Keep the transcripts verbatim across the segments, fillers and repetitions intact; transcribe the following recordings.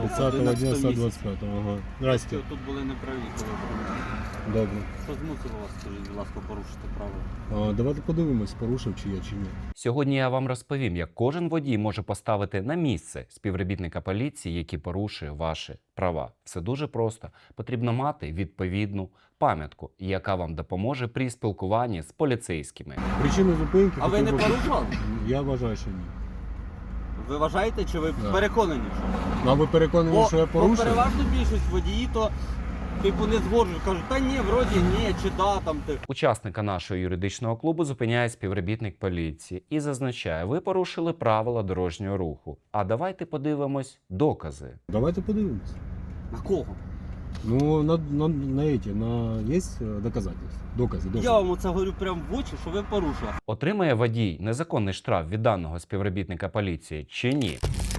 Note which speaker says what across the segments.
Speaker 1: тридцятого дня сто двадцять п'ятого. Ага. Здрасте.
Speaker 2: Тут були неправі, коли ви.
Speaker 1: Добре.
Speaker 2: Що змусило вас, скажіть, будь ласка, порушити правила?
Speaker 1: А, давайте подивимось, порушив чи я, чи ні.
Speaker 3: Сьогодні я вам розповім, як кожен водій може поставити на місце співробітника поліції, який порушує ваші права. Все дуже просто. Потрібно мати відповідну пам'ятку, яка вам допоможе при спілкуванні з поліцейськими.
Speaker 1: Причина зупинки...
Speaker 2: А ви не
Speaker 1: хотів би-
Speaker 2: порушували?
Speaker 1: Я вважаю, що ні.
Speaker 2: Ви вважаєте, чи ви
Speaker 1: Да.
Speaker 2: переконані, що?
Speaker 1: Ну, а ви переконані,
Speaker 2: Бо,
Speaker 1: що я
Speaker 2: бо
Speaker 1: порушив?
Speaker 2: переважно більшість водії, то типу не згоджують, кажуть, та ні, вроді ні, чи да, там ти.
Speaker 3: Учасника нашого юридичного клубу зупиняє співробітник поліції і зазначає, ви порушили правила дорожнього руху. А давайте подивимось докази.
Speaker 1: Давайте подивимось.
Speaker 2: На кого?
Speaker 1: Ну, на, на, на эти, на... Есть э, доказательства? Докази, докази.
Speaker 2: Я вам оце говорю прямо в очі, що ви порушили.
Speaker 3: Отримає водій незаконний штраф від даного співробітника поліції чи ні?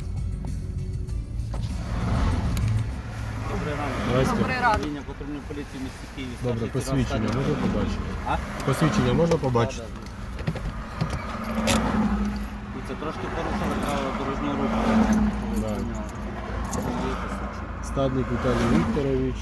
Speaker 2: Добрий ранок.
Speaker 1: Здрасте.
Speaker 4: Добрий ранок.
Speaker 2: Управління патрульної поліції міста Києві.
Speaker 1: Добре,
Speaker 2: старший
Speaker 1: посвідчення
Speaker 2: сержант
Speaker 1: можна побачити?
Speaker 2: А?
Speaker 1: Посвідчення можна побачити?
Speaker 2: Да, да. І це трошки порушили правила дорожнього руху.
Speaker 1: Да.
Speaker 2: Ви зупиняли. Подивіться, слідчі.
Speaker 1: Стадник Віталій Вікторович,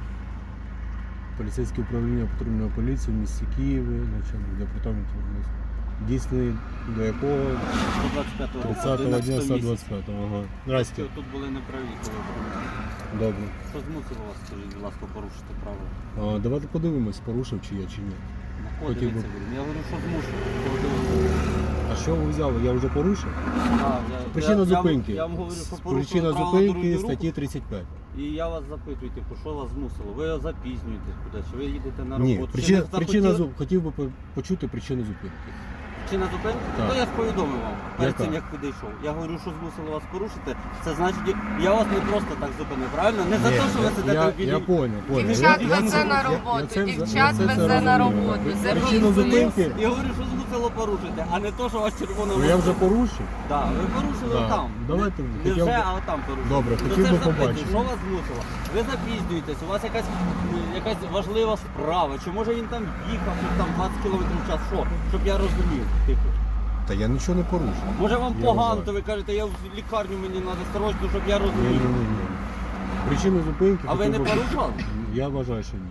Speaker 1: поліцейське управління патрульної поліції в місті Києві, начальник департаменту дійсний до якого
Speaker 2: сто двадцять п'ятого року,
Speaker 1: тридцятого дня
Speaker 2: одинадцятого
Speaker 1: сто
Speaker 2: місяця.
Speaker 1: двадцять п'ятого. Ага. Здрасте.
Speaker 2: Тут були неправі, коли ви.
Speaker 1: Добре.
Speaker 2: Що змусило вас, скажіть, будь ласка, порушити правила?
Speaker 1: А, давайте подивимось, порушив чи я, чи ні.
Speaker 2: На кого
Speaker 1: Хотів би.
Speaker 2: дивитися будемо? Я говорю, що змушую. Подивитися.
Speaker 1: А що ви взяли? Я вже порушив?
Speaker 2: А, я-
Speaker 1: Причина
Speaker 2: я- я вам-
Speaker 1: зупинки.
Speaker 2: Я вам говорю, що порушили
Speaker 1: Причина
Speaker 2: правила
Speaker 1: зупинки
Speaker 2: дорожнього руху.
Speaker 1: статті тридцять п'ять.
Speaker 2: І я вас запитую, типу, що вас змусило? Ви запізнюєтесь кудись, чи ви їдете на
Speaker 1: Ні,
Speaker 2: роботу? Чи
Speaker 1: причина,
Speaker 2: не захотіли-
Speaker 1: причина зу- хотів би по- почути причину зупинки.
Speaker 2: Причина зупинки?
Speaker 1: Так.
Speaker 2: То я ж повідомив вам перед
Speaker 1: Яка?
Speaker 2: цим, як підійшов. Я говорю, що змусило вас порушити. Це значить, я вас не просто так зупинив, правильно? Не за
Speaker 1: Ні,
Speaker 2: те, що ви
Speaker 1: я-
Speaker 2: сидите
Speaker 1: я,
Speaker 2: в білій.
Speaker 1: я понял, понял.
Speaker 4: Дівчат
Speaker 1: Я- я-
Speaker 4: везе
Speaker 1: я-
Speaker 4: на
Speaker 1: я-
Speaker 4: роботу,
Speaker 1: я це-
Speaker 4: дівчат
Speaker 1: я це
Speaker 4: везе
Speaker 1: зрозумів.
Speaker 4: на роботу,
Speaker 1: Причину
Speaker 4: записує.
Speaker 1: зупинки,
Speaker 2: Я говорю, що змусило порушити, а не то, що вас червона
Speaker 1: ну я вже порушив.
Speaker 2: Так, ви порушили
Speaker 1: Да.
Speaker 2: там.
Speaker 1: Давайте,
Speaker 2: Не, не
Speaker 1: хотів
Speaker 2: вже,
Speaker 1: би-
Speaker 2: а там порушили.
Speaker 1: Добре,
Speaker 2: Ну,
Speaker 1: хотів
Speaker 2: це
Speaker 1: би
Speaker 2: ж запитую,
Speaker 1: побачити.
Speaker 2: що вас змусило? Ви запізнюєтесь, у вас якась, якась важлива справа, чи може він там їхав, щоб там двадцять кілометрів в час, що? Щоб я розумів, типу.
Speaker 1: Та я нічого не порушив.
Speaker 2: Може вам
Speaker 1: Я
Speaker 2: погано,
Speaker 1: вважаю.
Speaker 2: то ви кажете, я в лікарню, мені треба срочно, щоб я
Speaker 1: Ні, ні,
Speaker 2: розумів.
Speaker 1: ні, ні. Причину зупинки...
Speaker 2: А ви
Speaker 1: хотів
Speaker 2: не
Speaker 1: би-
Speaker 2: порушували?
Speaker 1: Я вважаю, що ні.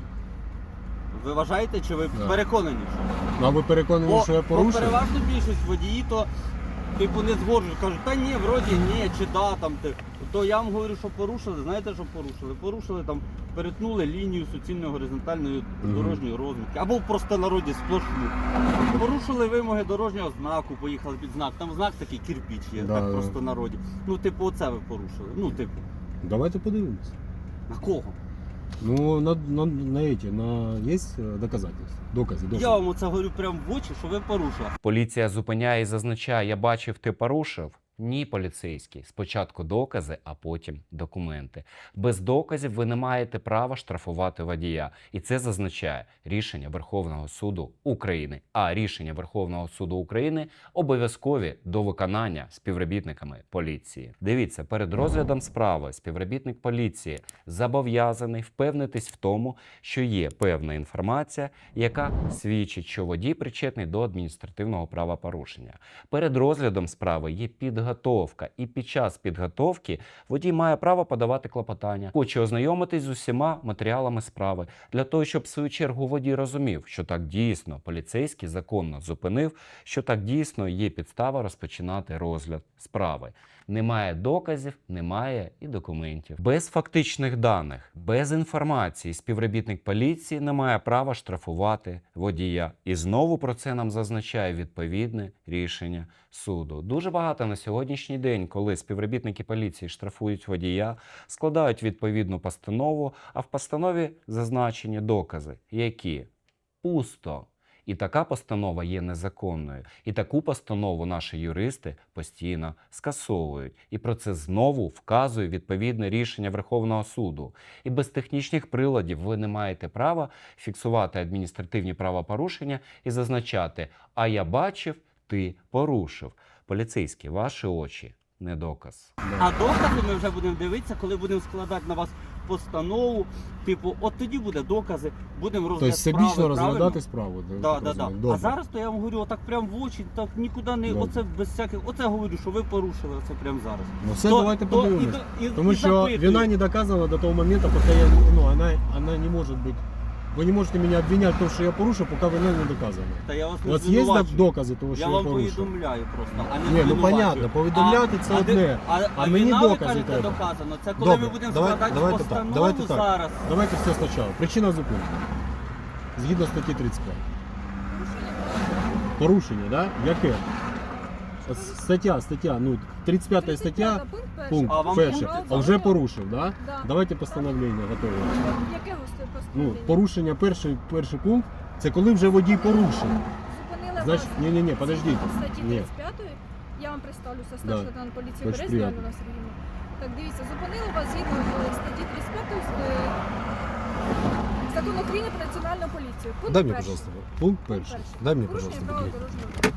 Speaker 2: Ви вважаєте, чи ви
Speaker 1: Да.
Speaker 2: переконані, що?
Speaker 1: Ну, а ви переконані,
Speaker 2: Бо,
Speaker 1: що я
Speaker 2: бо
Speaker 1: порушив?
Speaker 2: переважно більшість водії, то типу не згоджують, кажуть, та ні, вроді ні, чи да, там ти. То я вам говорю, що порушили, знаєте, що порушили? Порушили там, перетнули лінію суцільної горизонтальної
Speaker 1: Мгм.
Speaker 2: дорожньої розмітки, або в простонароді сплошну. Порушили вимоги дорожнього знаку, поїхали під знак. Там знак такий кирпіч є,
Speaker 1: Да,
Speaker 2: так
Speaker 1: да.
Speaker 2: в простонароді. Ну, типу, оце ви порушили. Ну, типу,
Speaker 1: Давайте подивимось.
Speaker 2: на кого?
Speaker 1: Ну, на, на, на эти, на... Есть э, доказательства? Докази, докази.
Speaker 2: Я вам оце говорю прямо в очі, що ви порушили.
Speaker 3: Поліція зупиняє і зазначає, я бачив, ти порушив. Ні, поліцейський. Спочатку докази, а потім документи. Без доказів ви не маєте права штрафувати водія. І це зазначає рішення Верховного суду України. А рішення Верховного суду України обов'язкові до виконання співробітниками поліції. Дивіться, перед розглядом справи співробітник поліції зобов'язаний впевнитись в тому, що є певна інформація, яка свідчить, що водій причетний до адміністративного правопорушення. Перед розглядом справи є підготовка. І під час підготовки водій має право подавати клопотання. Хоче ознайомитись з усіма матеріалами справи, для того, щоб в свою чергу водій розумів, що так дійсно поліцейський законно зупинив, що так дійсно є підстава розпочинати розгляд справи. Немає доказів, немає і документів. Без фактичних даних, без інформації співробітник поліції не має права штрафувати водія. І знову про це нам зазначає відповідне рішення суду. Дуже багато на сьогоднішній день, коли співробітники поліції штрафують водія, складають відповідну постанову, а в постанові зазначені докази, які пусто. І така постанова є незаконною. І таку постанову наші юристи постійно скасовують. І про це знову вказує відповідне рішення Верховного суду. І без технічних приладів ви не маєте права фіксувати адміністративні правопорушення і зазначати «а я бачив, ти порушив». Поліцейські, ваші очі – не доказ.
Speaker 2: А докази ми вже будемо дивитися, коли будемо складати на вас постанову. Типу, от тоді буде докази, будемо розглядати
Speaker 1: Тобто всебічно
Speaker 2: справи,
Speaker 1: розглядати
Speaker 2: правильно?
Speaker 1: справу.
Speaker 2: Да,
Speaker 1: так
Speaker 2: да, да.
Speaker 1: розумію.
Speaker 2: А
Speaker 1: Добре.
Speaker 2: зараз то я вам говорю, отак прям в очі, так нікуди не,
Speaker 1: Добре.
Speaker 2: оце без всяких, оце говорю, що ви порушили оце прямо зараз.
Speaker 1: Ну все,
Speaker 2: То-
Speaker 1: давайте
Speaker 2: то
Speaker 1: подивимось.
Speaker 2: і- і-
Speaker 1: Тому
Speaker 2: і
Speaker 1: що
Speaker 2: запитую.
Speaker 1: вина не доказана до того моменту, поки я, ну, она, она не може бути. Ви не можете мене обвиняти в тому, що я порушив, поки вина не доказана.
Speaker 2: Та я вас
Speaker 1: У
Speaker 2: не
Speaker 1: вас є
Speaker 2: звинувачую.
Speaker 1: докази того, що
Speaker 2: Я
Speaker 1: я,
Speaker 2: вам
Speaker 1: порушив?
Speaker 2: повідомляю просто, а не
Speaker 1: Ні, ну
Speaker 2: звинувачую.
Speaker 1: понятно, повідомляти це
Speaker 2: а,
Speaker 1: одне,
Speaker 2: де- а,
Speaker 1: а
Speaker 2: а
Speaker 1: мені
Speaker 2: вина, ви
Speaker 1: докази
Speaker 2: кажете,
Speaker 1: треба.
Speaker 2: доказано. Це коли
Speaker 1: Добре,
Speaker 2: ми будемо
Speaker 1: давай-
Speaker 2: складати
Speaker 1: давайте так,
Speaker 2: постанову
Speaker 1: давайте так.
Speaker 2: зараз.
Speaker 1: Давайте все спочатку. Причина зупинки. Згідно статті тридцять п'ять. Порушення, так? Да? Яке? От Стаття, стаття, ну, тридцять п'ята стаття, пункт
Speaker 2: А вам
Speaker 1: перший.
Speaker 2: пункт
Speaker 1: А вже порушив, так? Да?
Speaker 4: Да.
Speaker 1: Давайте постановлення готове.
Speaker 4: Яке
Speaker 1: Ну,
Speaker 4: постановлення?
Speaker 1: порушення, перший, перший пункт, це коли вже водій порушив.
Speaker 4: Зупинили
Speaker 1: Значить,
Speaker 4: вас
Speaker 1: ні-ні-ні, подождіть.
Speaker 4: в статті
Speaker 1: Ні.
Speaker 4: тридцять п'ять. Я вам представлюся, старший
Speaker 1: Да.
Speaker 4: лейтенант поліції
Speaker 1: Очень
Speaker 4: Березня
Speaker 1: приємно.
Speaker 4: Альона Сергійовна. Так, дивіться, зупинили вас згідно з статті тридцять п'ять е, Закону України про національну поліцію. Пункт
Speaker 5: Дай мне,
Speaker 4: перший.
Speaker 5: пожалуйста. Пункт
Speaker 4: Пункт
Speaker 5: перший.
Speaker 4: перший.
Speaker 5: Дай мне,
Speaker 4: Порушення
Speaker 5: пожалуйста,
Speaker 4: правил
Speaker 5: документ.
Speaker 4: дорожнього руху.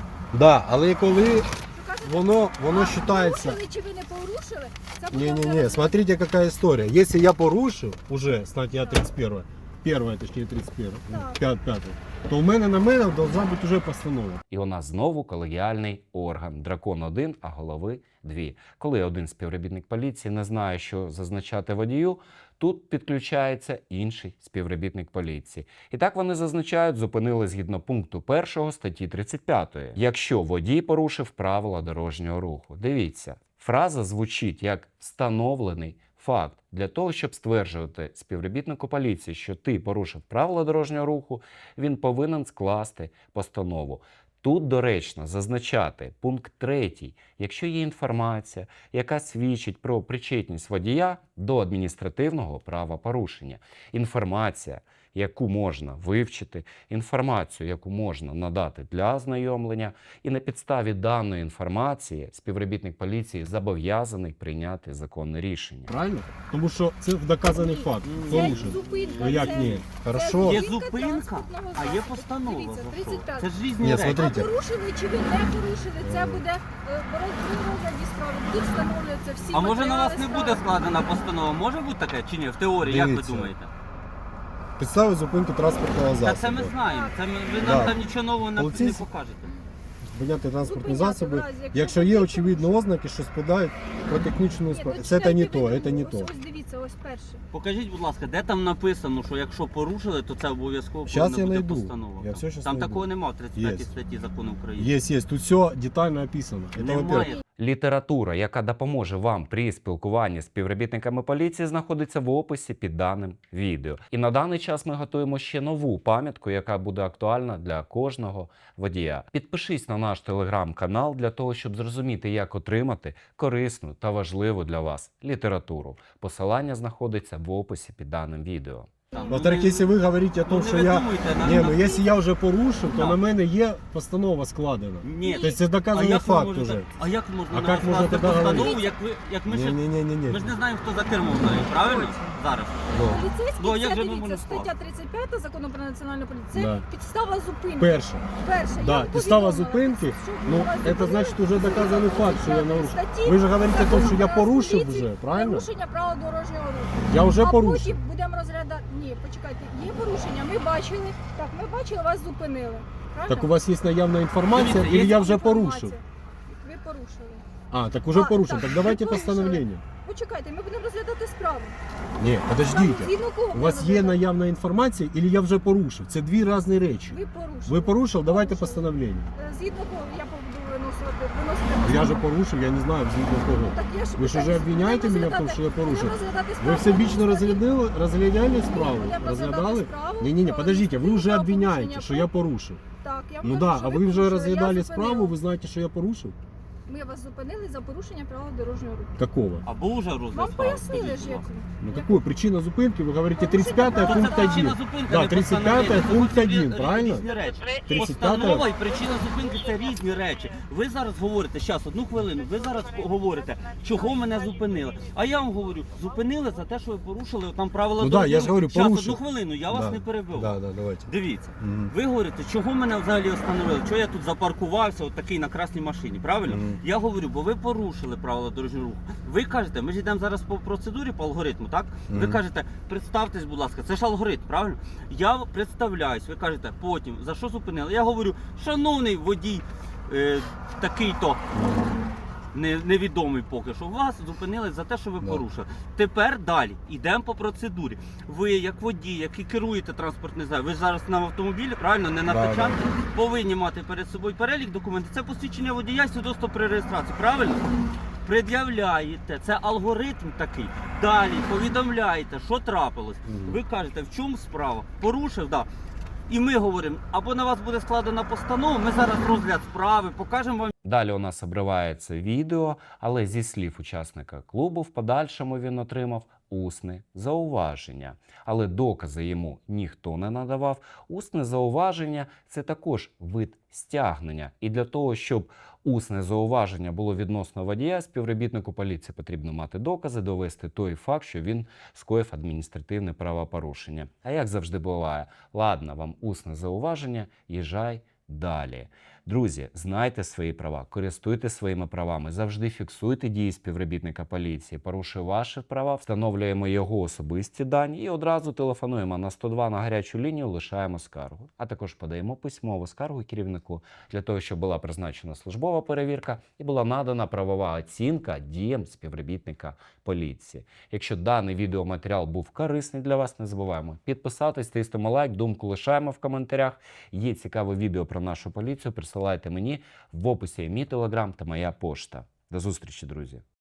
Speaker 5: Да, але коли
Speaker 4: Що кажете?
Speaker 5: воно, воно
Speaker 4: А,
Speaker 5: вважається...
Speaker 4: порушили чи ви не порушили? Це буде вже
Speaker 5: Не-не-не,
Speaker 4: розглядати.
Speaker 5: смотрите, какая история. Если я порушил уже статья тридцать первая,
Speaker 1: Перша, точніше, тридцять перша,
Speaker 4: Так.
Speaker 1: п'ят, п'ята, то у мене на мене должна бути вже постанова.
Speaker 3: І у нас знову колегіальний орган. Дракон один, а голови дві. Коли один співробітник поліції не знає, що зазначати водію, тут підключається інший співробітник поліції. І так вони зазначають, зупинили згідно пункту першого статті тридцять п'ятої. Якщо водій порушив правила дорожнього руху. Дивіться, фраза звучить як встановлений факт. Для того, щоб стверджувати співробітнику поліції, що ти порушив правила дорожнього руху, він повинен скласти постанову. Тут доречно зазначати пункт третій, якщо є інформація, яка свідчить про причетність водія до адміністративного правопорушення. Інформація, яку можна вивчити, інформацію, яку можна надати для ознайомлення, і на підставі даної інформації співробітник поліції зобов'язаний прийняти законне рішення.
Speaker 1: Правильно? Тому що це доказаний факт.
Speaker 4: Це
Speaker 1: Порушив.
Speaker 4: зупинка.
Speaker 1: Ну як
Speaker 4: це-
Speaker 1: ні?
Speaker 5: Хорошо.
Speaker 2: Є
Speaker 4: зупинка
Speaker 2: зупинка,
Speaker 4: транспортного
Speaker 2: а є
Speaker 4: засобу.
Speaker 2: постанова.
Speaker 4: Дивіться,
Speaker 2: за що.
Speaker 4: тридцять п'ять.
Speaker 2: Це ж різні
Speaker 5: Ні,
Speaker 2: речі.
Speaker 5: смотрите.
Speaker 4: А порушили чи ви не порушили, це буде е, боротьбу розгляді справи. Будуть встановлюватися всі
Speaker 2: А може на вас не
Speaker 4: матеріали
Speaker 2: буде
Speaker 4: справи.
Speaker 2: складена постанова? Може бути таке чи ні? В теорії, як ви
Speaker 5: Дивіться.
Speaker 2: думаєте?
Speaker 5: Підстави зупинки транспортного
Speaker 2: Та це ми
Speaker 5: засобу.
Speaker 2: знаємо. Це ми, ви
Speaker 5: Да.
Speaker 2: нам там нічого нового не, не
Speaker 5: Поліцейські-
Speaker 2: покажете.
Speaker 5: Зупиняти транспортні
Speaker 4: Зупиняти в
Speaker 5: засоби,
Speaker 4: разі, якщо
Speaker 5: якщо є
Speaker 4: водій
Speaker 5: очевидні
Speaker 4: порушив.
Speaker 5: ознаки, що спадають про технічну
Speaker 4: Ні,
Speaker 5: справу.
Speaker 4: ну,
Speaker 5: Це
Speaker 4: читайте
Speaker 5: не то,
Speaker 4: ви,
Speaker 5: це не
Speaker 4: ось,
Speaker 5: то.
Speaker 4: Ось дивіться, ось перше.
Speaker 2: Покажіть, будь ласка, де там написано, що якщо порушили, то це обов'язково
Speaker 5: Щас
Speaker 2: повинна
Speaker 5: я
Speaker 2: бути
Speaker 5: найду.
Speaker 2: постанова.
Speaker 5: Я все щас
Speaker 2: Там
Speaker 5: найду.
Speaker 2: такого немає в тридцять п'ятій
Speaker 5: Є.
Speaker 2: статті закону України.
Speaker 1: Є, є. Тут все детально описано. Це, во-первых.
Speaker 2: Немає.
Speaker 3: Література, яка допоможе вам при спілкуванні з співробітниками поліції, знаходиться в описі під даним відео. І на даний час ми готуємо ще нову пам'ятку, яка буде актуальна для кожного водія. Підпишись на наш телеграм-канал для того, щоб зрозуміти, як отримати корисну та важливу для вас літературу. Посилання знаходиться в описі під даним відео.
Speaker 2: Там,
Speaker 1: Во-вторых,
Speaker 2: ну,
Speaker 1: якщо ви говорите о
Speaker 2: ну,
Speaker 1: том,
Speaker 2: не
Speaker 1: що я...
Speaker 2: видумуйте, на-
Speaker 1: Ні,
Speaker 2: на-
Speaker 1: ну якщо я вже порушив, то
Speaker 2: Да.
Speaker 1: на мене є постанова складена.
Speaker 2: Ні.
Speaker 1: Тобто це
Speaker 2: А
Speaker 1: доказаний
Speaker 2: як ви
Speaker 1: факт
Speaker 2: можете-
Speaker 1: уже.
Speaker 2: А як можна
Speaker 1: А
Speaker 2: на
Speaker 1: як
Speaker 2: вас
Speaker 1: можна
Speaker 2: скласти
Speaker 1: тоді
Speaker 2: постанову,
Speaker 1: говорити?
Speaker 2: як ви, як ми
Speaker 5: Ні,
Speaker 2: ще...
Speaker 5: ні, ні, ні, ні.
Speaker 2: Ми ж не знаємо, хто за кермом знає, правильно? Зараз.
Speaker 4: Поліцейський,
Speaker 2: Ну, а як
Speaker 4: це
Speaker 2: же ми
Speaker 4: дивіться,
Speaker 2: можемо
Speaker 4: стаття тридцять п'ять закону про національну поліцію. Це
Speaker 1: Да.
Speaker 4: підстава зупинки.
Speaker 1: Перше.
Speaker 4: Перше. я
Speaker 1: Да,
Speaker 4: вам
Speaker 1: підстава
Speaker 4: повідомила,
Speaker 1: зупинки,
Speaker 4: що
Speaker 1: ну,
Speaker 4: вас
Speaker 1: це
Speaker 4: зупинили
Speaker 1: значить уже доказаний факт, що я нарушив.
Speaker 4: статті
Speaker 1: Ви ж говорите о том, що я
Speaker 4: Закону про
Speaker 1: порушив
Speaker 4: поліцію,
Speaker 1: вже, правильно?
Speaker 4: Порушення правил дорожнього руху.
Speaker 1: Я вже
Speaker 4: а
Speaker 1: порушив.
Speaker 4: потім будемо розглядати. Ні, почекайте, є порушення. Ми бачили. Так, ми бачили, вас зупинили. Правильно?
Speaker 1: Так у вас є наявна інформація,
Speaker 2: Дивіться,
Speaker 1: или
Speaker 2: є
Speaker 1: я вже
Speaker 4: Інформація.
Speaker 1: порушив?
Speaker 4: Ви порушили.
Speaker 1: А, так уже
Speaker 4: А,
Speaker 1: порушив.
Speaker 4: так,
Speaker 1: Так давайте
Speaker 4: ви порушили.
Speaker 1: постановлення.
Speaker 4: Почекайте, ми будемо розглядати справу.
Speaker 1: Ні, подождіть.
Speaker 4: Згідно кого
Speaker 1: У
Speaker 4: ми
Speaker 1: вас є
Speaker 4: розглядаємо?
Speaker 1: наявна інформація, или я вже порушив? Це дві різні речі.
Speaker 4: Ви порушили.
Speaker 1: Ви порушив, давайте
Speaker 4: Порушили.
Speaker 1: постановлення.
Speaker 4: Е, Згідно кого я буду виносити, виносити
Speaker 1: Я же порушив, я не знаю, згідно кого.
Speaker 4: Так я ж
Speaker 1: Ви ж
Speaker 4: питаю,
Speaker 1: уже обвиняєте
Speaker 4: будемо
Speaker 1: мене в тому,
Speaker 4: розглядати-
Speaker 1: що я порушив?
Speaker 4: будемо розглядати
Speaker 1: Ви
Speaker 4: справу
Speaker 1: всебічно
Speaker 4: по
Speaker 1: розглядали, розглядали справу?
Speaker 4: будемо
Speaker 1: Розглядали?
Speaker 4: розглядати справу
Speaker 1: Ні, ні, ні,
Speaker 4: про
Speaker 1: подождіть, ви вже
Speaker 4: адміністративне
Speaker 1: обвиняєте,
Speaker 4: правопорушення
Speaker 1: що
Speaker 4: по-
Speaker 1: я порушив.
Speaker 4: Так, я вам
Speaker 1: Ну
Speaker 4: кажу,
Speaker 1: да,
Speaker 4: що
Speaker 1: а ви вже
Speaker 4: порушили.
Speaker 1: розглядали
Speaker 4: Я
Speaker 1: справу,
Speaker 4: зупинила.
Speaker 1: ви знаєте, що я порушив?
Speaker 4: Ми вас зупинили за порушення правил дорожнього руху.
Speaker 1: Какого?
Speaker 2: Або вже розгляд
Speaker 4: Вам
Speaker 2: справи,
Speaker 4: пояснили
Speaker 2: скажіть,
Speaker 4: ж,
Speaker 2: будь
Speaker 4: як.
Speaker 2: ласка.
Speaker 1: Ну какую? Причина зупинки, вы говорите
Speaker 4: Порушення
Speaker 1: тридцать пятая
Speaker 4: права
Speaker 1: пункт
Speaker 2: Це
Speaker 1: один.
Speaker 2: причина зупинки,
Speaker 1: Да,
Speaker 2: не
Speaker 1: тридцать
Speaker 2: постановлення.
Speaker 1: пятая
Speaker 2: Це
Speaker 1: пункт
Speaker 2: зовсім
Speaker 1: один,
Speaker 2: рі-
Speaker 1: правильно?
Speaker 2: Різні речі.
Speaker 1: тридцять п'ятая.
Speaker 2: Постанова і причина зупинки це різні речі. Ви зараз говорите, зараз, одну хвилину, ви зараз говорите, чого мене зупинили. А я вам говорю, зупинили за те, що ви порушили там правила
Speaker 1: Ну да, я ж говорю,
Speaker 2: Щас,
Speaker 1: порушив.
Speaker 2: одну хвилину, я вас
Speaker 5: Да.
Speaker 2: не перебив.
Speaker 5: Да, да, давайте.
Speaker 2: Дивіться,
Speaker 5: Мгм.
Speaker 2: ви говорите, чого мене взагалі остановили, чого я тут запаркувався, от такий на красній машині, правильно?
Speaker 5: Мгм.
Speaker 2: Я говорю, бо ви порушили правила дорожнього руху. Ви кажете, ми ж йдемо зараз по процедурі, по алгоритму, так? Ви
Speaker 5: Мгм.
Speaker 2: кажете, представтесь, будь ласка, це ж алгоритм, правильно? Я представляюсь, ви кажете, потім, за що зупинили? Я говорю, шановний водій, е, такий-то, не, невідомий поки що, вас зупинили за те, що ви
Speaker 5: Да.
Speaker 2: порушили. Тепер далі, йдемо по процедурі. Ви, як водій, який керуєте транспортним засобом, ви зараз на автомобілі, правильно, не на
Speaker 5: Да,
Speaker 2: тачанці,
Speaker 5: да.
Speaker 2: повинні мати перед собою перелік документів. Це посвідчення водія і свідоцтво при реєстрації, правильно? Пред'являєте, це алгоритм такий. Далі повідомляєте, що трапилось.
Speaker 5: Мгм.
Speaker 2: Ви кажете, в чому справа? Порушив, так. Да. І ми говоримо, або на вас буде складена постанова, ми зараз розгляд справи, покажемо вам.
Speaker 3: Далі у нас обривається відео, але зі слів учасника клубу в подальшому він отримав усне зауваження. Але докази йому ніхто не надавав. Усне зауваження – це також вид стягнення. І для того, щоб усне зауваження було відносно водія, співробітнику поліції потрібно мати докази, довести той факт, що він скоїв адміністративне правопорушення. А як завжди буває, ладно, вам усне зауваження, їжджай далі. Друзі, знайте свої права, користуйтесь своїми правами, завжди фіксуйте дії співробітника поліції. Порушує ваші права, встановлюємо його особисті дані і одразу телефонуємо на сто два на гарячу лінію, лишаємо скаргу. А також подаємо письмову скаргу керівнику для того, щоб була призначена службова перевірка і була надана правова оцінка діям співробітника поліції. Якщо даний відеоматеріал був корисний для вас, не забуваємо підписатись, тиснемо лайк, думку лишаємо в коментарях. Є цікаве відео про нашу поліцію, присилайте мені, в описі є мій телеграм та моя пошта. До зустрічі, друзі!